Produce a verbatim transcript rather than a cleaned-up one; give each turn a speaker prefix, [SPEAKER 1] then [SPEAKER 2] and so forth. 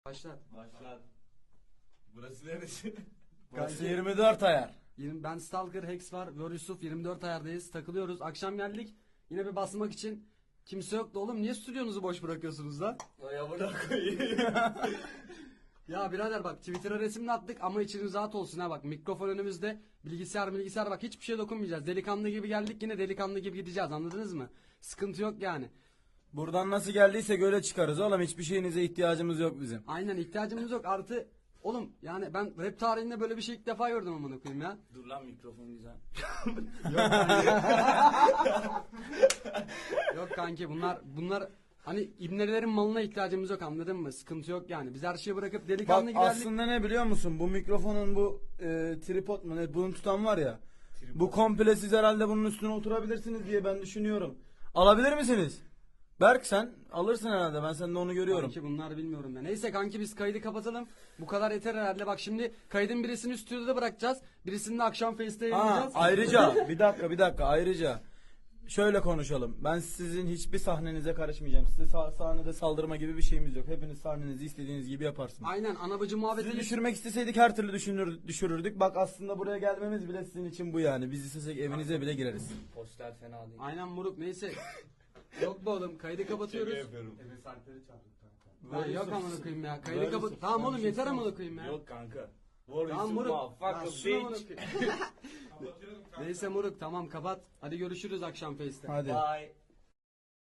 [SPEAKER 1] Başlat.
[SPEAKER 2] Başlat. Burası neresi?
[SPEAKER 3] Burası yirmi dört ayar.
[SPEAKER 1] Yirmi- Ben Stalker, Hex var ve Yusuf yirmi dört ayardayız. Takılıyoruz. Akşam geldik. Yine bir basmak için. Kimse yoktu oğlum. Niye stüdyonuzu boş bırakıyorsunuz lan?
[SPEAKER 2] Ay amına koyayım.
[SPEAKER 1] Ya birader bak Twitter'a resimle attık ama içiniz rahat olsun ha bak. Mikrofon önümüzde. Bilgisayar bilgisayar bak hiçbir şey dokunmayacağız. Delikanlı gibi geldik yine delikanlı gibi gideceğiz, anladınız mı? Sıkıntı yok yani.
[SPEAKER 3] Buradan nasıl geldiysek öyle çıkarız oğlum. Hiçbir şeyinize ihtiyacımız yok bizim.
[SPEAKER 1] Aynen, ihtiyacımız yok. Artı oğlum yani ben rap tarihinde böyle bir şey ilk defa gördüm amına koyayım ya.
[SPEAKER 3] Dur lan, mikrofon güzel.
[SPEAKER 1] Yok kanki bunlar bunlar hani ibnelerin malına ihtiyacımız yok, anladın mı? Sıkıntı yok yani. Biz her şeyi bırakıp
[SPEAKER 3] Bak
[SPEAKER 1] delikanlı gibi geldik.
[SPEAKER 3] aslında ne biliyor musun? Bu mikrofonun bu e, tripod mu ne? Bunu tutan var ya. Bu komple siz herhalde bunun üstüne oturabilirsiniz diye ben düşünüyorum. Alabilir misiniz? Berk sen alırsın herhalde. Ben sende onu görüyorum.
[SPEAKER 1] Kanki bunlar bilmiyorum ya. Neyse kanki biz kaydı kapatalım. Bu kadar yeter herhalde. Bak şimdi kaydın birisini stüdyoda bırakacağız. Birisini de akşam Face'te
[SPEAKER 3] Ha,
[SPEAKER 1] yayınlayacağız.
[SPEAKER 3] ayrıca bir dakika bir dakika ayrıca şöyle konuşalım. Ben sizin hiçbir sahnenize karışmayacağım. Size sah- sahnede saldırma gibi bir şeyimiz yok. Hepiniz sahnenizi istediğiniz gibi yaparsınız.
[SPEAKER 1] Aynen, anabacı
[SPEAKER 3] Sizi
[SPEAKER 1] muhabbeti.
[SPEAKER 3] düşürmek isteseydik her türlü düşünür, düşürürdük. Bak aslında buraya gelmemiz bile sizin için bu yani. Biz istesek evinize bile gireriz.
[SPEAKER 2] Poster fena değil.
[SPEAKER 1] Aynen moruk, neyse. Yok be oğlum, kaydı kapatıyoruz.
[SPEAKER 2] yapıyorum.
[SPEAKER 1] Lan yok amına koyayım ya. Kaydı kapat. Tamam oğlum yeter amına koyayım ya.
[SPEAKER 2] Yok kanka. What
[SPEAKER 1] Tamam
[SPEAKER 2] is
[SPEAKER 1] moruk.
[SPEAKER 2] motherfucker
[SPEAKER 1] Lan şuna amına
[SPEAKER 2] bitch?
[SPEAKER 1] koyayım. Neyse moruk tamam kapat. Hadi görüşürüz akşam Face'te.
[SPEAKER 3] Hadi.
[SPEAKER 2] Bye.